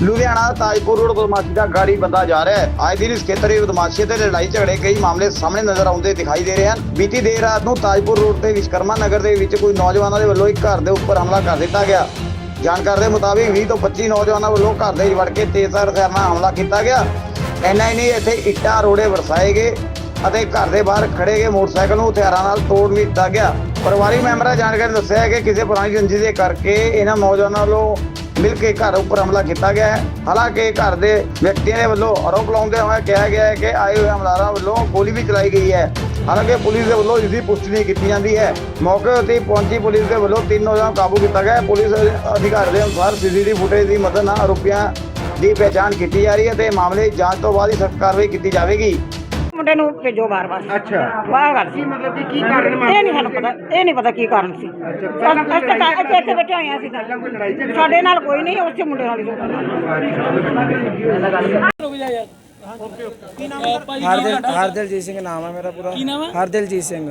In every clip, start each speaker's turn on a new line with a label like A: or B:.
A: Ludhiana Tajpur road बदमाशी का गाड़ी बंदा जा रहा है। आए दिन इस खेतर में बदमाशी ते लड़ाई झगड़े कई मामले सामने नजर आउंदे दिखाई दे रहे हैं। बीती देर रात ਨੂੰ ਤਾਜਪੁਰ ਰੋਡ ਤੇ ਵਿਸ਼ਕਰਮਾ ਨਗਰ ਦੇ ਵਿੱਚ ਕੋਈ ਨੌਜਵਾਨਾਂ ਦੇ ਵੱਲੋਂ ਇੱਕ ਘਰ ਦੇ ਉੱਪਰ ਹਮਲਾ ਕਰ ਦਿੱਤਾ ਗਿਆ। ਜਾਣਕਾਰੀ ਦੇ ਮੁਤਾਬਿਕ 20 ਤੋਂ 25 ਨੌਜਵਾਨਾਂ ਵੱਲੋਂ ਘਰ ਦੇ ਵਿੱਚ ਵੜ ਕੇ ਤੇਜ਼ਧਾਰ ਹਥਿਆਰ ਨਾਲ ਹਮਲਾ ਕੀਤਾ ਗਿਆ। ਇੰਨਾ ਹੀ ਨਹੀਂ, ਇੱਥੇ ਇੱਟਾਂ ਰੋੜੇ ਵਰਸਾਏ ਗਏ ਅਤੇ ਘਰ ਦੇ ਬਾਹਰ ਖੜੇ ਗਏ ਮੋਟਰਸਾਈਕਲ ਨੂੰ ਹਥਿਆਰਾਂ ਨਾਲ ਤੋੜ ਵੀ ਦਿੱਤਾ ਗਿਆ। ਪਰਿਵਾਰਿਕ ਮੈਂਬਰਾਂ ਜਾਣਕਾਰੀ ਦੱਸਿਆ ਹੈ ਕਿ ਕਿਸੇ ਪੁਰਾਣੀ ਰੰਜਿਸ਼ ਦੇ ਕਰਕੇ ਇਹਨਾਂ ਨੌਜਵਾਨਾਂ ਵੱਲੋਂ मिल के घर उपर हमला किया गया है। हालांकि घर के व्यक्तियों के वालों आरोप लाते हुए कहा गया है कि आए हुए हमलावरों वालों गोली भी चलाई गई है। हालांकि पुलिस के वालों इसकी पुष्टि नहीं की जाती है। मौके उत्ते पहुंची पुलिस के वालों 3 नौजवान काबू किया गया। पुलिस अधिकारी के अनुसार CCTV फुटेज की मदद नाल आरोपियों की पहचान की जा रही है तो मामले जांच तो बाद ही सख्त कार्रवाई की जाएगी।
B: ਮੁੰਡੇ ਨੂੰ ਭੇਜੋ ਬਾਰ-ਬਾਰ।
C: ਅੱਛਾ
B: ਬਾਹਰ ਗੱਲ
C: ਕੀ ਮਤਲਬ ਕਿ ਕੀ ਕਾਰਨ
B: ਇਹ ਨਹੀਂ ਸਾਨੂੰ ਪਤਾ, ਇਹ ਨਹੀਂ ਪਤਾ ਕੀ ਕਾਰਨ ਸੀ। ਇੱਥੇ ਬੈਠੇ ਹੋਏ ਆ ਅਸੀਂ ਤਾਂ। ਸਾਡੇ ਨਾਲ ਕੋਈ ਨਹੀਂ, ਉਸੇ ਮੁੰਡੇ ਨਾਲ ਹੀ
D: हरदिलजीत सिंह नाम है मेरा पूरा। हरदिलजीत सिंह।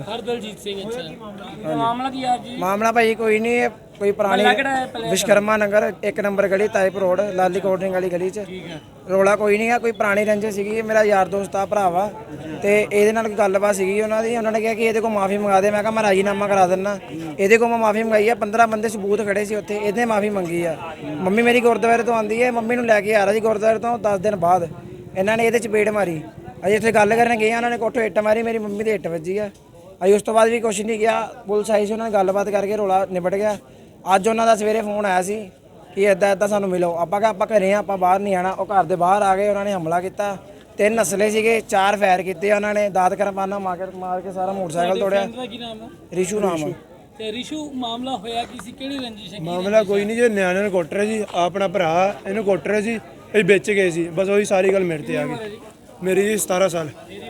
E: अच्छा मामला की है जी?
D: मामला भाई कोई नहीं है, कोई पुरानी विश्वकर्मा नगर 1 नंबर गली Tajpur road Lali cold drink वाली गली च ਰੌਲਾ ਕੋਈ ਨਹੀਂ ਹੈ। ਕੋਈ ਪੁਰਾਣੀ ਰੰਜਿਸ਼ ਸੀਗੀ। ਮੇਰਾ ਯਾਰ ਦੋਸਤ ਆ, ਭਰਾ ਵਾ, ਤੇ ਇਹਦੇ ਨਾਲ ਗੱਲਬਾਤ ਸੀਗੀ ਉਹਨਾਂ ਦੀ। ਉਹਨਾਂ ਨੇ ਕਿਹਾ ਕਿ ਇਹਦੇ ਕੋਲ ਮਾਫੀ ਮੰਗਾ ਦੇ। ਮੈਂ ਕਿਹਾ ਮੈਂ ਰਾਜੀਨਾਮਾ ਕਰਾ ਦਿੰਦਾ। ਇਹਦੇ ਕੋਲ ਮੈਂ ਮਾਫੀ ਮੰਗਾਈ ਆ। 15 ਬੰਦੇ ਸਬੂਤ ਖੜੇ ਸੀ ਉੱਥੇ। ਇਹਨੇ ਮਾਫੀ ਮੰਗੀ ਆ। ਮੰਮੀ ਮੇਰੀ ਗੁਰਦੁਆਰੇ ਤੋਂ ਆਉਂਦੀ ਹੈ, ਮੰਮੀ ਨੂੰ ਲੈ ਕੇ ਆ ਰਿਹਾ ਸੀ ਗੁਰਦੁਆਰੇ ਤੋਂ। 10 ਦਿਨ ਬਾਅਦ ਇਹਨਾਂ ਨੇ ਇਹਦੇ ਚਪੇੜ ਮਾਰੀ। ਅਜੇ ਇੱਥੇ ਗੱਲ ਕਰਨ ਗਏ, ਉਹਨਾਂ ਨੇ ਕੋਠੋਂ ਇੱਟ ਮਾਰੀ। ਮੇਰੀ ਮੰਮੀ ਦੇ ਇੱਟ ਵੱਜੀ ਆ। ਅਜੇ ਉਸ ਤੋਂ ਬਾਅਦ ਵੀ ਕੁਛ ਨਹੀਂ ਗਿਆ। ਪੁਲਿਸ ਆਈ ਸੀ, ਉਹਨਾਂ ਨੇ ਗੱਲਬਾਤ ਕਰਕੇ ਰੌਲਾ ਨਿਬੜ ਗਿਆ। ਅੱਜ ਉਹਨਾਂ ਦਾ ਸਵੇਰੇ ਫੋਨ ਆਇਆ ਸੀ ਕਿ ਇੱਦਾਂ ਸਾਨੂੰ ਮਿਲੋ। ਆਪਾਂ ਕਿਹਾ ਆਪਾਂ ਘਰੇ ਆ, ਆਪਾਂ ਬਾਹਰ ਨਹੀਂ ਆਣਾ। ਉਹ ਘਰ ਦੇ ਬਾਹਰ ਆ ਗਏ, ਉਹਨਾਂ ਨੇ ਹਮਲਾ ਕੀਤਾ। 3 ਅਸਲੇ ਸੀਗੇ, 4 ਫਾਇਰ ਕੀਤੇ ਉਹਨਾਂ ਨੇ। ਦਾਤ ਕਰਪਾਨਾ ਮਾਰ ਕੇ ਸਾਰਾ ਮੋਟਰਸਾਈਕਲ ਤੋੜਿਆ।
E: ਕੀ ਨਾਮ ਹੈ?
D: ਰਿਸ਼ੂ ਨਾਮ ਆ।
E: ਤੇ ਰਿਸ਼ੂ ਮਾਮਲਾ ਹੋਇਆ ਕੀ ਸੀ? ਕਿਹੜੀ ਰੰਜਿਸ਼ ਹੈ?
F: ਮਾਮਲਾ ਕੋਈ ਨਹੀਂ, ਜੇ ਨਿਆਣੇ ਨੂੰ ਕੁੱਟ ਰਹੇ ਸੀ। ਆਪਣਾ ਭਰਾ ਇਹਨੂੰ ਕੁੱਟ ਰਹੇ ਸੀ, ਇਹ ਵੇਚ ਗਏ ਸੀ। ਬਸ ਉਹੀ ਸਾਰੀ ਗੱਲ ਮੇਰੇ ਤੇ ਆ ਗਈ। ਮੇਰੀ ਜੀ 17 ਸਾਲ,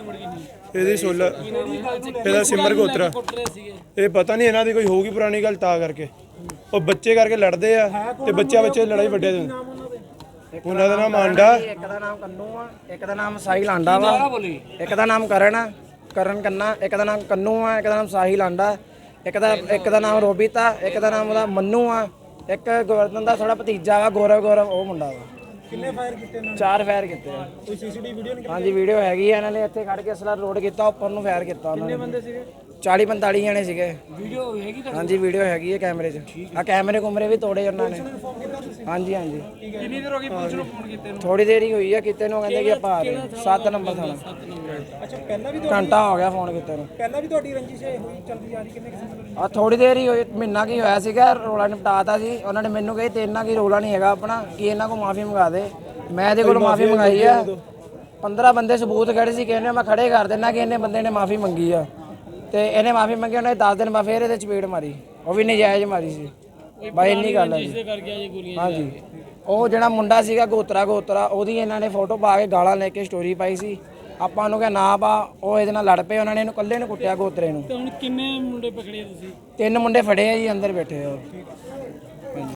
F: ਇਹਦੀ 16। ਇਹਦਾ ਸਿਮਰ ਗੋਤਰਾ। ਇਹ ਪਤਾ ਨਹੀਂ ਇਹਨਾਂ ਦੀ ਕੋਈ ਹੋਊਗੀ ਪੁਰਾਣੀ ਗੱਲ, ਤਾਂ ਕਰਕੇ ਉਹ ਬੱਚੇ ਕਰਕੇ ਲੜਦੇ ਆ ਤੇ ਬੱਚੇ ਲੜਾਈ ਵੱਡੇ ਦੇ। ਉਹਨਾਂ ਦਾ ਨਾਮ ਆਂਡਾ,
D: ਇੱਕ ਦਾ ਨਾਮ ਕੰਨੂ ਆ, ਇੱਕ ਦਾ ਨਾਮ ਸਾਹਿਲ ਆਂਡਾ ਵਾ, ਇੱਕ ਦਾ ਨਾਮ ਕਰਨ ਆ, ਕਰਨ ਕੰਨਾ, ਇੱਕ ਦਾ ਨਾਮ ਕੰਨੂ ਆ, ਇੱਕ ਦਾ ਨਾਮ ਸਾਹਿਲ ਆਂਡਾ, ਇੱਕ ਦਾ ਨਾਮ ਰੋਬੀਤਾ, ਇੱਕ ਦਾ ਨਾਮ ਉਹਦਾ ਮੰਨੂ ਆ, ਇੱਕ ਗੋਵਰਧਨ ਦਾ ਥੋੜਾ ਭਤੀਜਾ ਵਾ, ਗੌਰਵ ਉਹ ਮੁੰਡਾ ਵਾ।
C: ਕਿੰਨੇ ਫਾਇਰ ਕੀਤੇ ਇਹਨਾਂ
D: 4 ਫਾਇਰ ਕੀਤੇ ਆ।
C: ਕੋਈ CCTV ਵੀਡੀਓ ਨਹੀਂ?
D: ਹਾਂਜੀ ਵੀਡੀਓ ਹੈਗੀ ਆ। ਇਹਨਾਂ ਨੇ ਇੱਥੇ ਖੜ ਕੇ ਅਸਲਾ ਲੋਡ ਕੀਤਾ, ਉੱਪਰ ਨੂੰ ਫਾਇਰ ਕੀਤਾ ਉਹਨਾਂ ਨੇ।
C: ਕਿੰਨੇ ਬੰਦੇ ਸੀਗੇ?
D: 40-45 ਜਣੇ ਸੀਗੇ।
E: ਵੀਡੀਓ ਹੈਗੀ ਤਾਂ?
D: ਹਾਂਜੀ ਵੀਡੀਓ ਹੈਗੀ ਹੈ ਕੈਮਰੇ 'ਚ। ਆ ਕੈਮਰੇ ਕੁਮਰੇ ਵੀ ਤੋੜੇ ਉਹਨਾਂ ਨੇ। ਹਾਂਜੀ ਹਾਂਜੀ।
E: ਕਿੰਨੀ ਦੇਰ ਹੋ ਗਈ ਪੁਲਿਸ ਨੂੰ ਫੋਨ ਕੀਤੇ ਨੂੰ?
D: ਥੋੜੀ ਦੇਰ ਹੀ ਹੋਈ ਆ ਕੀਤੇ ਨੂੰ। ਕਹਿੰਦੇ ਕਿ ਆਪਾਂ ਆ ਰਹੇ 7 ਨੰਬਰ ਥਾਣਾ।
C: ਅੱਛਾ ਪਹਿਲਾਂ ਵੀ
D: ਘੰਟਾ ਹੋ ਗਿਆ ਫੋਨ ਕੀਤੇ ਨੂੰ।
C: ਪਹਿਲਾਂ ਵੀ ਤੁਹਾਡੀ ਰੰਜਿਸ਼ ਹੋਈ ਚੱਲਦੀ ਆ ਰਹੀ ਕਿੰਨੇ ਕਿਸਮ ਦੀ?
D: ਆ ਥੋੜੀ ਦੇਰ ਹੀ ਹੋਈ, ਮਹੀਨਾ ਕੀ ਹੋਇਆ ਸੀਗਾ। ਰੋਲਾ ਨਿਪਟਾਤਾ ਸੀ ਉਹਨਾਂ ਨੇ। ਮੈਨੂੰ ਕਹੀ ਤੇ ਇੰਨਾ ਕੀ ਰੋਲਾ ਨਹੀਂ ਹੈਗਾ ਆਪਣਾ, ਕਿ ਇਹਨਾਂ ਕੋਲ ਮਾਫੀ ਮੰਗਾ ਦੇ। ਮੈਂ ਇਹਦੇ ਕੋਲ ਮਾਫੀ ਮੰਗਾਈ ਆ। 15 ਬੰਦੇ ਸਬੂਤ ਖੜੇ ਸੀ, ਕਹਿੰਦੇ ਮੈਂ ਖੜੇ ਕਰ ਦਿੰਦਾ ਕਿ ਇਹਨੇ ਬੰਦੇ ਨੇ ਮਾਫੀ ਮੰਗੀ ਆ। ਤੇ ਇਹਨੇ ਮਾਫੀ ਮੰਗੀ, ਉਹਨੇ 10 ਦਿਨ ਬਾਅਦ ਫੇਰ ਇਹਦੇ ਚਪੇੜ ਮਾਰੀ। ਉਹ ਵੀ ਨਜਾਇਜ਼ ਮਾਰੀ ਸੀ ਬਾਈ, ਇੰਨੀ ਗੱਲ ਹੈ ਜੀ। ਹਾਂਜੀ ਉਹ ਜਿਹੜਾ ਮੁੰਡਾ ਸੀਗਾ ਗੋਤਰਾ ਉਹਦੀ ਇਹਨਾਂ ਨੇ ਫੋਟੋ ਪਾ ਕੇ ਗਾਲਾਂ ਲੈ ਕੇ ਸਟੋਰੀ ਪਾਈ ਸੀ। ਆਪਾਂ ਨੂੰ ਕਿਹਾ ਨਾ ਪਾ। ਉਹ ਇਹਦੇ ਨਾਲ ਲੜ ਪਏ। ਉਹਨਾਂ ਨੇ ਇਹਨੂੰ ਇਕੱਲੇ ਨੂੰ ਕੁੱਟਿਆ, ਗੋਤਰੇ ਨੂੰ।
E: ਤੇ ਹੁਣ ਕਿੰਨੇ ਮੁੰਡੇ ਪਕੜੇ ਤੁਸੀਂ?
D: 3 ਮੁੰਡੇ ਫੜੇ ਆ ਜੀ, ਅੰਦਰ ਬੈਠੇ ਆ।